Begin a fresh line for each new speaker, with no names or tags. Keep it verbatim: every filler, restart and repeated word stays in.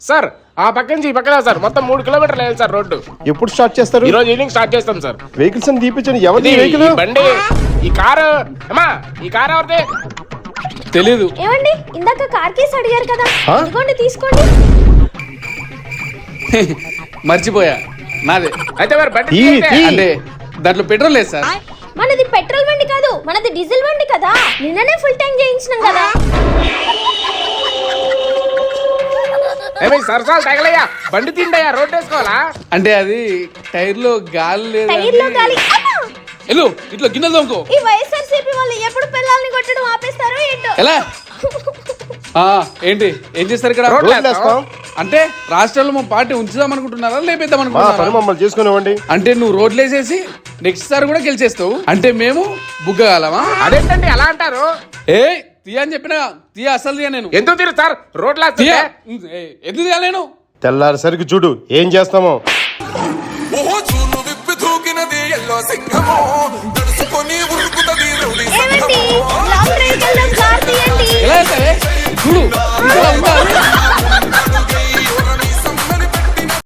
Sir ఆ పక్క నుంచి ఈ పక్కన సార్ మొత్తం మూడు కిలోమీటర్లు వెళ్ళాలి సార్ రోడ్డు.
ఎప్పుడు స్టార్ట్ చేస్తారు?
ఈ రోజు ఈవినింగ్ స్టార్ట్ చేస్తాం సార్.
వెహికల్స్ అని తీపించండి. ఎవరిది
ఇది
వెహికల్?
ఈ బండి, ఈ కారు. అమ్మా ఈ కారు ఎవరిది?
తెలీదు.
ఏమండి ఇందాక కార్ కేసు అడిగారు కదా,
ఆ?
ఇదిగోండి తీసుకోండి.
మర్చిపోయా, నాదే.
అయితే మరి బండి
ఈ,
తీయండి.
ఈ.
అంటే దాంట్లో పెట్రోల్ లేదు సార్.
మనది పెట్రోల్ బండి కాదు, మనది డీజిల్ బండి కదా. నిన్ననే ఫుల్ ట్యాంక్ చేయించినాం కదా.
ఏమి సరసాలు తగలయ్యా, బండి తిండయ్యా, రోడ్డు వేసుకోవాలా?
అంటే అది టైర్ లో గాలి లేదు.
టైర్ లో గాలి. అమ్మా!
ఎల్లు ఇట్లా గిన్నెలు తోముకో.
ఈ వైఎస్ఆర్సీపీ వాళ్ళు ఎప్పుడు పిల్లల్ని కొట్టడం ఆపేస్తారో ఏంటో.
ఎలా ఆ, ఏంటి ఏం చేస్తారు ఇక్కడ?
రోడ్లు
రోడ్లు వేస్తాం.
అంటే రాష్ట్రంలో మా పార్టీ ఉంచుదాం అనుకుంటున్నారా, లేపేద్దాం
మా పని
అనుకుంటున్నారా?
మమ్మల్ని చేసుకునివ్వండి.
అంటే నువ్వు రోడ్లు వేసేసి నెక్స్ట్ సార్ కూడా గెలిచేస్తావు అంటే మేము బుగ్గగాలమా?
అదేంటండి అలా అంటారు?
ఏ తీయ అని చెప్పినా తీయ, అసలు తీయ నేను.
ఎందుకు తీరు సార్ రోడ్లు
తీయ
వేస్తుంటే?
ఏ, ఎందుకు తీయాలి నేను?
తెల్లారిసరికి చూడు ఏం చేస్తామో.
ఓ చూలు విప్పి దూకినది ఎల్లో సింహమో